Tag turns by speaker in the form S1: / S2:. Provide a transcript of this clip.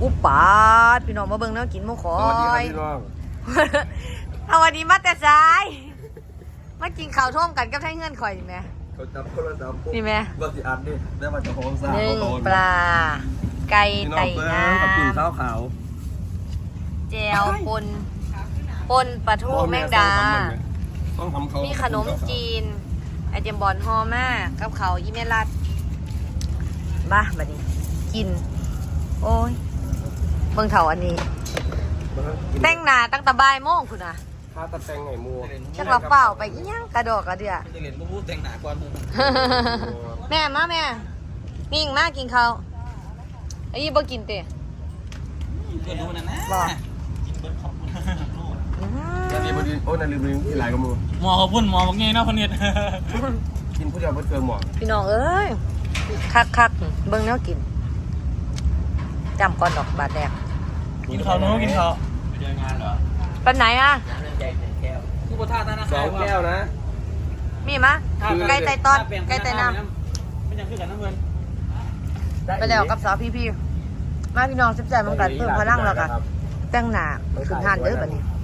S1: อุปปาดพี่น้องมาเบิ่งเนาะกินหมูขอ
S2: สวัสดีครับ
S1: ย
S2: พี่น้อง
S1: สวัสดีมาแต่ซ้ายมากินข้าวท่วมกันกับไทยเงื่อนข่อยนี่แม่
S2: เขาจับคนละจับปุ๊บ
S1: นี่แม่
S2: ว่าสิอัดนี่ได้มาจากห้องซ่า
S1: หนึ่ง
S2: โตน
S1: ปลาไก่
S2: พี่น้อ
S1: ไต่
S2: งเบิ้
S1: น้
S2: งกับกินข้าวขาว
S1: ำแจวปนปลาทูแมงดา
S2: ต้องทำเขา
S1: มีขนมจีน ไอเจมบอลฮอมากกับเขาวอีเมลัดบ้าบัดนี้ กิน โอ้ยเบิ่งเถาอันนี้ แต่งหน้าตั้งแต่บ่ายโมงคุณน่ะ
S2: ข้าวตะแตงไห่มัว
S1: จักเราเปล่าไปอีหยังกระดอกกระเดือ
S3: จะเห็นพูดแต่งหนาก่อน
S1: แม่มาแม่นิ่งมากกินข้าวไอ้ยี่บ่กินเตะ
S3: เกิดดูนะนะ
S1: บอก
S3: กินเบิร์ดขอบคุณ
S2: นาทีบดีโอ้นาทีบดีที่หลายกับมือ
S3: หมอขอบคุณหมอบอกไงเนาะคนเนี้ย
S2: กินผู้เดียวเพิ่เกินหมอ
S1: พี่น้องเอ้ยคักเบิ่งแนวกินจำก่อนดอกบาทแรก
S3: กินข้าวนู้กินข้าวไปเจองานเหรอ
S1: ปันไหนอ่ะ
S3: ผู้ประทานนะ
S2: 2 แก้วนะ
S1: มีมะไก่ไตตอนไก่ไตน้
S3: ไม่ยังคือกันน้ำเงิน
S1: ำไปแล้วกับสาวพี่มาพี่น้องสิบใจมันกันเพิ่มพลังแล้วกันแต่งหน้าขึ้นทานเด้อบัดนี้